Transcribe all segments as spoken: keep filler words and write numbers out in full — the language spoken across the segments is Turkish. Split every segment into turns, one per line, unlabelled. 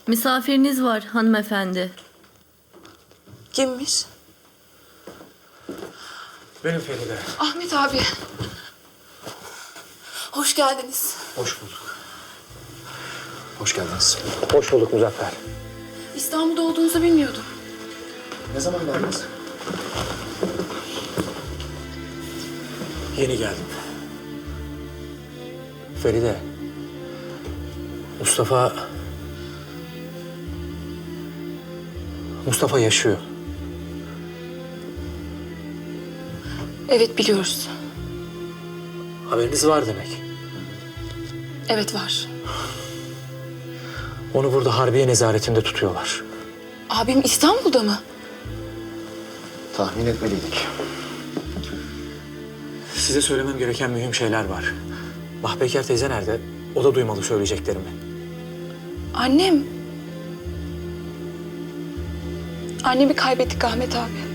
Misafiriniz var hanımefendi.
Kimmiş?
Benim Feride.
Ahmet abi. Hoş geldiniz.
Hoş bulduk.
Hoş geldiniz.
Hoş bulduk Muzaffer.
İstanbul'da olduğunuzu bilmiyordum.
Ne zaman geldiniz?
Yeni geldim. Feride. Mustafa... Mustafa yaşıyor.
Evet, biliyoruz.
Haberiniz var demek.
Evet, var.
Onu burada Harbiye nezaretinde tutuyorlar.
Abim İstanbul'da mı?
Tahmin etmeliydik.
Size söylemem gereken mühim şeyler var. Mahpeker teyze nerede? O da duymalı söyleyeceklerimi.
Annem. Annemi kaybettik Ahmet abi.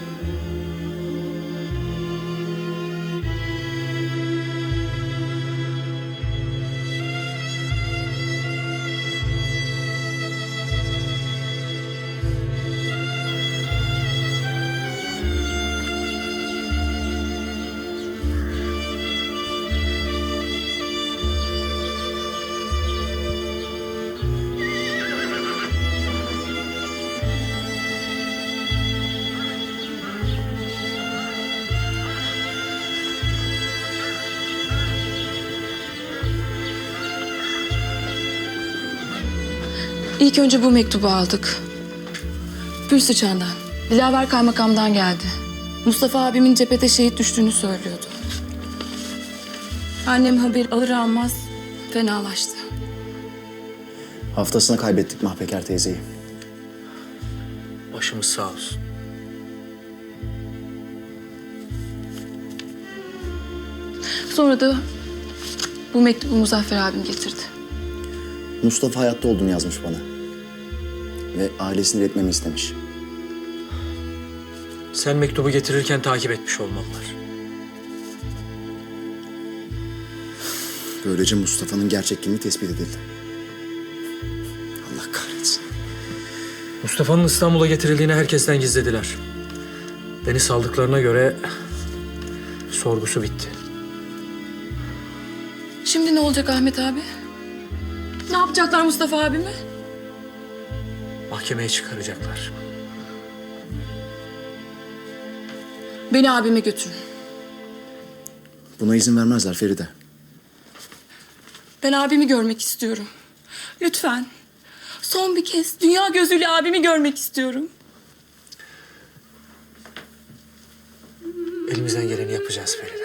İlk önce bu mektubu aldık. Gül Sıçan'dan. Dilaver kaymakamdan geldi. Mustafa abimin cephete şehit düştüğünü söylüyordu. Annem haber alır almaz fenalaştı.
Haftasına kaybettik Mahpeker teyzeyi.
Başımız sağ olsun.
Sonra da bu mektubu Muzaffer abim getirdi.
Mustafa hayatta olduğunu yazmış bana. Ve ailesini iletmemi istemiş.
Sen mektubu getirirken takip etmiş olmalılar.
Böylece Mustafa'nın gerçek kimliği tespit edildi. Allah kahretsin.
Mustafa'nın İstanbul'a getirildiğini herkesten gizlediler. Beni saldıklarına göre sorgusu bitti.
Şimdi ne olacak Ahmet abi? Ne yapacaklar Mustafa abimi?
Mahkemeye çıkaracaklar.
Beni abime götürün.
Buna izin vermezler Feride.
Ben abimi görmek istiyorum. Lütfen. Son bir kez dünya gözüyle abimi görmek istiyorum.
Elimizden geleni yapacağız Feride.